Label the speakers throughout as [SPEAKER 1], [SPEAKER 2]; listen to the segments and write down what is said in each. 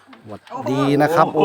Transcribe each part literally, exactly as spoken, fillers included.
[SPEAKER 1] หวัดดีนะครับโอ้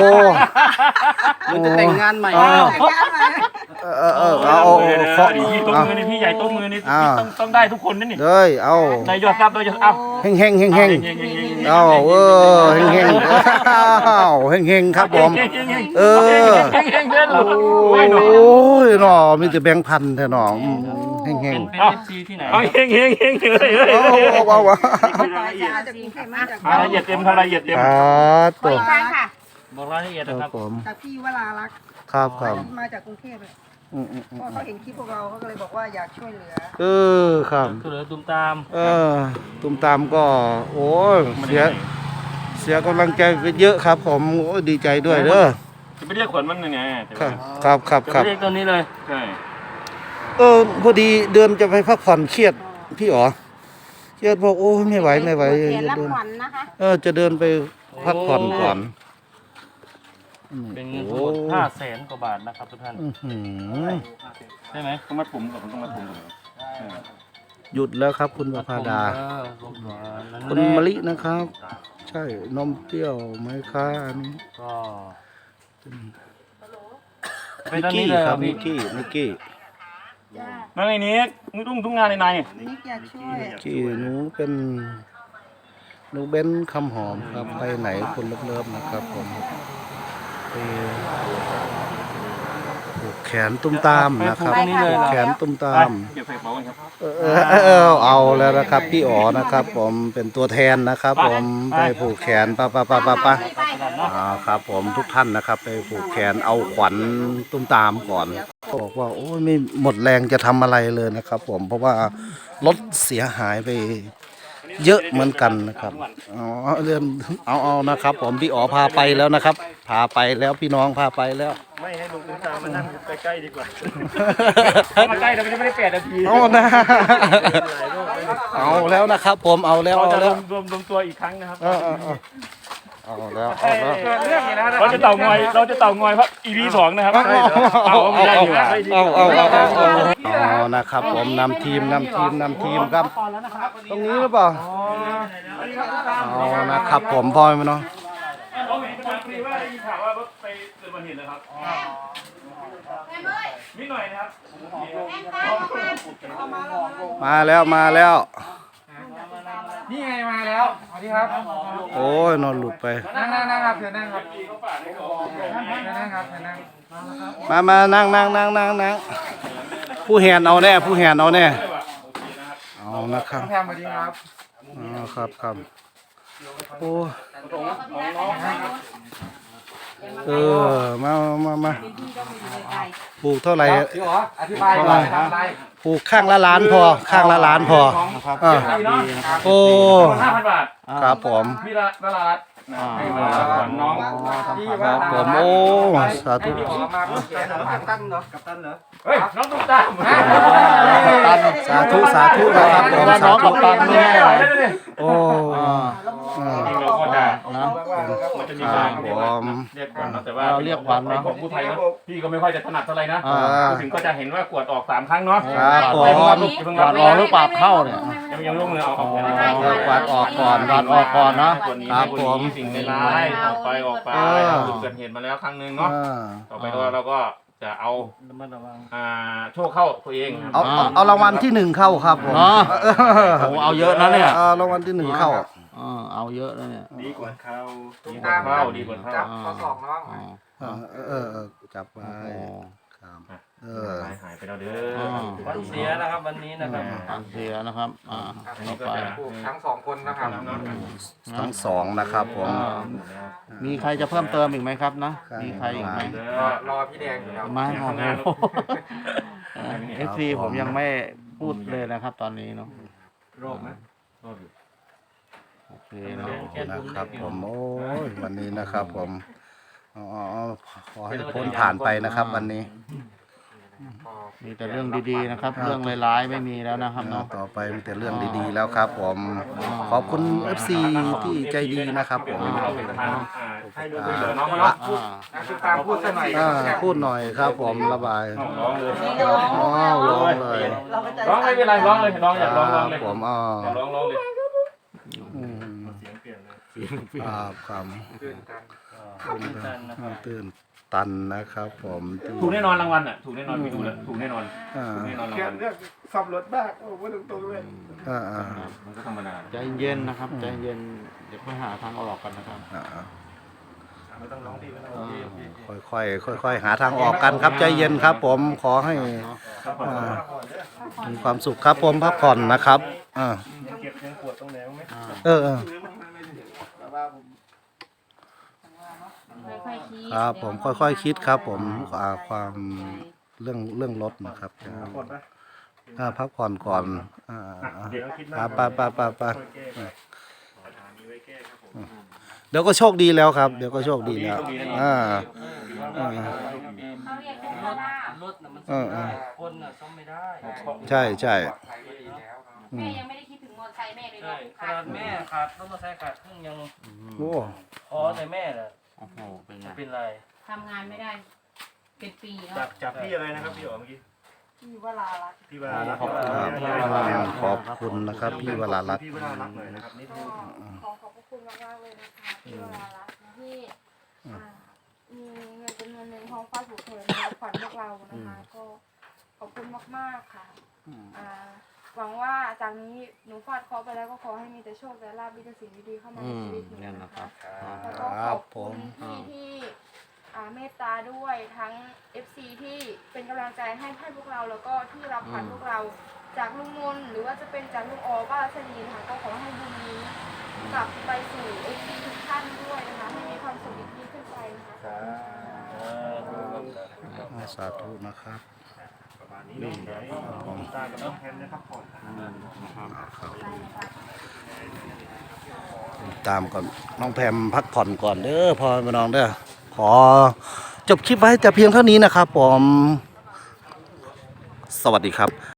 [SPEAKER 2] มันจะแต่งงานใหม่
[SPEAKER 1] เออเออเออเอาเอาเคาะ
[SPEAKER 3] พี่ต้ม
[SPEAKER 1] เอา
[SPEAKER 3] มือนี่พี่ใหญ่ต้มมือนี่
[SPEAKER 1] อ่า
[SPEAKER 3] ต้องต้องได้ทุกคนนั่นนี่
[SPEAKER 1] เลยเอา
[SPEAKER 3] นายยอดทรัพย์นายยอดเอา
[SPEAKER 1] เฮงเฮงเฮงเฮง
[SPEAKER 3] เฮงเฮงเฮง
[SPEAKER 1] เอาเออเฮงเฮงเอาเฮงเฮงครับผม
[SPEAKER 3] เฮงเฮงเฮง
[SPEAKER 1] เออ
[SPEAKER 3] เฮงเฮงเดิน
[SPEAKER 1] โอ้
[SPEAKER 3] โอ้ยหนู
[SPEAKER 1] ยหนอมีแต่แบงค์พันแท้หนออืมเฮงเฮง
[SPEAKER 3] เอาเอาเฮงเฮงเฮงเฮ้ยเฮ้ย
[SPEAKER 1] เอาเอาเอาเอา
[SPEAKER 4] มาจากกรุงเทพมาจาก
[SPEAKER 3] รายละเอียดเต็มทำรายละเอียดเต็ม
[SPEAKER 1] ครับตัว
[SPEAKER 4] อีกครั้งค่ะ
[SPEAKER 3] บอกรายละเอียด
[SPEAKER 1] ค
[SPEAKER 3] นะค
[SPEAKER 1] รั
[SPEAKER 3] รั
[SPEAKER 1] บบ ผม
[SPEAKER 4] จากพี่วรารักษ์
[SPEAKER 1] ครับครับ
[SPEAKER 4] มาจากกรุงเทพเลย
[SPEAKER 1] อืมอืมอื
[SPEAKER 4] เพ
[SPEAKER 1] ม
[SPEAKER 4] ราะเขาเห็นคลิปพวกเราเขาก็เลยบอกว่าอยากช่วยเหลือ
[SPEAKER 1] เออครับ
[SPEAKER 3] คือเหลือตุ้มตาม
[SPEAKER 1] เออตุ้มตามก็โอ้ยเสียเสียกำลังใจไปเยอะครับ ผมโอ้ยดีใจด้วยเด้อ
[SPEAKER 3] จะไม่เรียกขวัญมันยังไง
[SPEAKER 1] ครับครับครับ
[SPEAKER 3] จะ
[SPEAKER 1] ครับ
[SPEAKER 3] เรียกตัวนี้เลยใช่
[SPEAKER 1] เออพอดีเดือนจะไปพักผ่อนเครียดพี่อ๋อเครียดบอกโอ้ยไม่ไหวไม่ไหว
[SPEAKER 4] เขียน
[SPEAKER 1] จะ
[SPEAKER 4] รับ
[SPEAKER 1] เดิน
[SPEAKER 4] ขวัญนะคะ
[SPEAKER 1] เออจะเดินไปพักผ่อนก่อน
[SPEAKER 3] เป็นเงินทั้งหมดห้าแสนกว่าบาทนะครับทุกท่าน
[SPEAKER 1] อื้อหือ
[SPEAKER 3] ใช่ไหมต้องมาปุ่มกับต้องมาปุ่ม
[SPEAKER 1] หยุดแล้วครับคุณประภาดา คุณมะลินะครับ ใช่นมเปรี้ยวไหมคะอันนี้
[SPEAKER 3] ก็เป็
[SPEAKER 1] นิ
[SPEAKER 3] น
[SPEAKER 1] ก
[SPEAKER 3] ตอน
[SPEAKER 1] กี้
[SPEAKER 3] นี้เลย
[SPEAKER 1] ครับ
[SPEAKER 3] พี่
[SPEAKER 1] นิกกี้นิกกี้
[SPEAKER 3] นั่นไอ้นี้มึงตุ้งทุกงานในใน
[SPEAKER 4] นิกอยากช่วย
[SPEAKER 1] ที่หนูเป็นหนูเบนคำหอมครับไปไหนคนเลิฟๆนะครับผมไปผูกแขนตุ้มตามนะครับผูกแขนตุ้มตาม
[SPEAKER 3] เก็บใส่กระเป๋ากันครับ
[SPEAKER 1] เออเออเออเอาแล้วนะครับพี่อ๋อนะครับ ผมเป็นตัวแทนนะครับ ผมไปผูกแขนปะปะปะปะปะอ่าครับผมทุกท่านนะครับ ไปผูกแขนเอาขวัญตุ้มตามก่อนบอกว่าโอ้ยไม่หมดแรงจะทำอะไรเลยนะครับ ผมเพราะว่ารถเสียหายไปเยอะเหมือนกันนะครับอ๋อเรื่องเอาเอานะครับ ผมพี่อ๋อพาไปแล้วนะครับ พาไปแล้วพี่น้องพาไปแล้ว
[SPEAKER 3] ไม่ให้ลุงตุ้มตามมานั่งใกล้ๆดีกว่ามาใกล้เราไม่ได้แปดนาที
[SPEAKER 1] เอานะเอาแล้วนะครับ ผมเอาแล้ว
[SPEAKER 3] เรา
[SPEAKER 1] เอา
[SPEAKER 3] จะร
[SPEAKER 1] แล้ว ว
[SPEAKER 3] มรวมรวมตัวอีกครั้งนะครับ
[SPEAKER 1] เออเออเออเอาแล้วเอาแล้ว
[SPEAKER 3] เรื่องนี้นะเราจะเต่างอยเราจะเต่างอยเพราะ อี พี สองนะครับ
[SPEAKER 1] เอา
[SPEAKER 3] เอา
[SPEAKER 1] เอา
[SPEAKER 3] ไม่ได้อยู่
[SPEAKER 1] เอาเอาเอาเอาเอานะครับ ผมนำทีมนำทีมนำทีมครับ ตรงนี้หรือเปล่าเอานะครับ ผมพ่อไหมเนาะ
[SPEAKER 3] เขาเห็นคนคุยว่าได้ยินข่าวว่ารถไปเกิดอุบัติเหตุเลยครับนิดหน่อยนะครับ
[SPEAKER 1] มาแล้วมาแล้ว
[SPEAKER 2] นี่ไงมาแล้วสวัสดีครับ
[SPEAKER 1] โอ้ยนอนหลุดไป
[SPEAKER 2] นั่งนั่งนั่งครับเชิญนั่งครับเชิญนั่งครับเชิญนั่ง
[SPEAKER 1] มามานั่งนั่งนั่งนั่งนั่งผู้แหนเอาแน่ผู้แหนเอาแน่เอานะครับ
[SPEAKER 2] แพมสวัสดีครับ
[SPEAKER 1] อ๋อครับครับโอ้เออมามามาปลูกเท่าไหร่
[SPEAKER 2] พี่อ๋ออธิบายก่อนทำอะไร
[SPEAKER 1] ปลูกข้างละล้านพอ ข้างละล้านพออ่าโอ้
[SPEAKER 3] ห้าพันบาท
[SPEAKER 1] ครับผม
[SPEAKER 3] พี่ละละลัดให้มาขวัญน้อง
[SPEAKER 2] ที่
[SPEAKER 1] ค
[SPEAKER 2] ว่า
[SPEAKER 1] รับผมโอ้สาธุ
[SPEAKER 2] พี่อ๋อมาเพื่อเขียนกัปตันเหรอกัปตันเหรอ
[SPEAKER 3] เฮ้ยน้องตุ้มตาม
[SPEAKER 1] สาธุสาธุนะครับผมสาธุ โอ้อ่า
[SPEAKER 3] เราก็ได้
[SPEAKER 1] นะ
[SPEAKER 3] มันจะมี
[SPEAKER 1] ค
[SPEAKER 3] กา
[SPEAKER 1] รั
[SPEAKER 3] ร
[SPEAKER 1] บผม
[SPEAKER 3] เรียกขวัญแต่ว่า
[SPEAKER 1] เราเรียกขวัญเนอะ
[SPEAKER 3] ของผู้ไทยเนอะพี่ก็ไม่ค่อยจะถนัดเท่าไหร่นะ
[SPEAKER 1] อ่า
[SPEAKER 3] ถึงก็จะเห็นว่ากวดออกสามครั้งเนาะ
[SPEAKER 1] ครับผม
[SPEAKER 3] อย่าเพิ่งรับ
[SPEAKER 1] กวาดออกหรือเปล่าเข้าเนี่ย
[SPEAKER 3] ยังยังลงเลยเอาออก
[SPEAKER 1] เออกวาดออกก่อนกวาดออกก่อนเนาะครับผม
[SPEAKER 3] สิ่งในร้ายออกไปออกไป
[SPEAKER 1] เออ
[SPEAKER 3] จุดเกิดเหตุมาแล้วครั้งหนึ่งเนาะ
[SPEAKER 1] อ่า
[SPEAKER 3] ต่อไปเราเราก็จะเอาอ่าโชคเข้าตัวเอง
[SPEAKER 1] เอาเอาเอารางวัลที่หนึ่งเข้าครับผม
[SPEAKER 5] เนาะ โอ้เอาเยอะนะเนี่ย
[SPEAKER 1] เอารางวัลที่หนึ่งเข้า
[SPEAKER 5] เออเอาเยอะนะเนี่ย
[SPEAKER 3] ดีกว่าเข้าดีกว่าเข้าดีกว่าเข้า
[SPEAKER 2] จับข้อศอกน้อง
[SPEAKER 5] อ๋อ
[SPEAKER 1] เออเออเออจับไว้
[SPEAKER 5] อ๋อ
[SPEAKER 1] ครับเออ
[SPEAKER 3] หายหายไปแล้วเด้อ
[SPEAKER 6] วันเสียนะครับวันนี้นะครับ
[SPEAKER 5] ฟังเสียนะครับอ่าต่อไป
[SPEAKER 2] ทั้งสองคนนะครับ
[SPEAKER 1] ทั้งสองนะครับผม
[SPEAKER 5] อ่ามีใครจะเพิ่มเติมอีกไหมครับนะ มีใครอีกไหม
[SPEAKER 2] รอรอพี่แดงอยู่แล้ว
[SPEAKER 5] ไม่โอ้โหเอฟซีผมยังไม่พูดเลยนะครับ ตอนนี้เนาะ
[SPEAKER 3] โรคไหมโรคอยู่
[SPEAKER 5] โอเคเนาะ
[SPEAKER 1] นะครับผมโอ้ยวันนี้นะครับผมอ๋อขอให้พ้นผ่านไปนะครับ วันนี้
[SPEAKER 5] มีแต่เรื่องดีๆนะครับ เรื่องร้ายๆไม่มีแล้วนะครับเนาะ
[SPEAKER 1] ต่อไปมีแต่เรื่องดีๆแล้วครับผมขอบคุณ เอฟ ซี ที่ใจดีนะครับผม
[SPEAKER 3] ให้ดูเหลือน้องเขาเนาะ
[SPEAKER 5] อ่า
[SPEAKER 2] นักศึกษาพูดสักหน่อย
[SPEAKER 1] อ่าพูดหน่อยครับผมระบาย
[SPEAKER 3] ร้องเลย
[SPEAKER 1] อ้าวร้องเลย
[SPEAKER 3] ร้องไม่เป็นไรร้องเลยร้องอยากร้องร้องเลย
[SPEAKER 1] ผมอ๋อ
[SPEAKER 3] อยากร้องร้องเลย
[SPEAKER 1] อืม
[SPEAKER 3] เสียงเปลี่ยนเลย
[SPEAKER 1] เครับความ
[SPEAKER 3] ตื่นตัน
[SPEAKER 6] ตื่นตันนะครับ
[SPEAKER 1] ตื่นตันนะครับผมที่
[SPEAKER 3] ถูกแน่นอนรางวัลอ่ะถูกแน่นอนไปดูแล้วถูกแน่นอน
[SPEAKER 1] อ่า
[SPEAKER 3] ถูกแน่นอนราง
[SPEAKER 2] เกี่ย
[SPEAKER 3] วั
[SPEAKER 2] ว
[SPEAKER 3] ล
[SPEAKER 2] เรื่องซ่อมรถบ้างโอ้โหตรงๆเลย
[SPEAKER 1] อ่าอ่า
[SPEAKER 3] มันก็ธรรมดา
[SPEAKER 5] ใจเย็นนะครับใจเย็นเดี๋ยวค่อยหาทางออกกันนะครับ
[SPEAKER 1] อ่า
[SPEAKER 3] ไม่ต้องร้องดีไม่ต้องร้องดี
[SPEAKER 1] ค่อยๆค่อยๆหาทางออกกันครับใจเย็นครับ ผมขอให้อ่ามีความสุขครับผมพักผ่อนนะครับอ่า
[SPEAKER 3] เก็บยังปวดตรงไหนไหม
[SPEAKER 1] เออเออ
[SPEAKER 7] ค่อยๆคิด
[SPEAKER 1] ครับผมค่อยๆคิดครับ ผมอ่าความเรื่องเรื่องรถนะครับ
[SPEAKER 3] ปวดไหม
[SPEAKER 1] อ่าพักผ่อนก่อนอ่า
[SPEAKER 3] เดี๋ยวคิด
[SPEAKER 1] อ่า
[SPEAKER 3] มา
[SPEAKER 1] ไปไปไปไป
[SPEAKER 3] ปัญหานี้ไว้แก้ครับผม
[SPEAKER 1] เดี๋ยวก็โชคดีแล้วครับ เดี๋ยวก็โชคดีแล้วอ่า อ่า
[SPEAKER 7] เขาเรียกเป็นเพราะว่าร
[SPEAKER 6] ถน่ะมันซ่อมได้คนน่ะซ่อมไม่ได้
[SPEAKER 1] ใช่ใช่อื
[SPEAKER 7] แม่
[SPEAKER 1] ม
[SPEAKER 7] ยังไม่ได้คิดถึงมอเตอร์ไซค์แม่เลย
[SPEAKER 6] ใช่
[SPEAKER 7] เนาะ
[SPEAKER 6] ขนาดแม่ขาดรถมอเตอร์ไซค์ขาดครึ่งยัง
[SPEAKER 1] โอ้
[SPEAKER 6] พอแต่แม่น่ะ
[SPEAKER 5] โอ้โหเป็นไง
[SPEAKER 6] จะเป็นไร
[SPEAKER 7] ทำงานไม่ได้เป็นปีเนาะ
[SPEAKER 3] จากจากพี่อะไรนะครับพี่อ๋อเมื่อกี้
[SPEAKER 4] ที่วลารักษ์
[SPEAKER 3] พี่วรารักษ์
[SPEAKER 1] ขอบคุณนะครับพี่วรารัตน์
[SPEAKER 3] พี่วรารักษ์หน่อยนะครับนิดนึง
[SPEAKER 8] ขอขอบพระคุณมากๆเลยนะคะที่เวลารักนะที่อ่ามีเงินจำนวนหนึ่งของฟ้าถูกเถิดมาขวัญพวกเรานะคะ ก็ขอบคุณมากๆค่ะอ่าหวังว่าจากนี้หนูฟาดเคราะห์ไปแล้วก็ขอให้มีแต่โชคและลาภมีแต่สิ่งดีๆเข้ามา
[SPEAKER 5] อื
[SPEAKER 8] ใน
[SPEAKER 5] ม
[SPEAKER 8] ชีวิตหนู
[SPEAKER 5] เนี่ยนะ
[SPEAKER 8] นะ
[SPEAKER 5] ครั
[SPEAKER 8] คะ
[SPEAKER 5] บ
[SPEAKER 8] แล้วก็ขอบคุณที่ที่อ่าเมตตาด้วยทั้ง เอฟ ซี ที่เป็นกำลังใจให้ให้พวกเราแล้วก็ที่รับขวัญพวกเราจากลุงมนหรือว่าจะเป็นจากลุงออบ้ารัชนีนะคะก็ขอให้บุญนี้กลับไปสู่ เอฟ ซี ทุกท่านด้วยนะคะให้มีความสุขยิ่งขึ้นไปนะคะ
[SPEAKER 1] สาธุนะครับ
[SPEAKER 3] ประมาณนี้เนาะเดี๋ยวให้ตากับน้องแพมนะครับผ่อน
[SPEAKER 1] ตามก่อนน้องแพมพักผ่อนก่อนเด้อพ่อแม่น้องเด้อขอจบคลิปไว้แต่เพียงเท่านี้นะครับผมสวัสดีครับ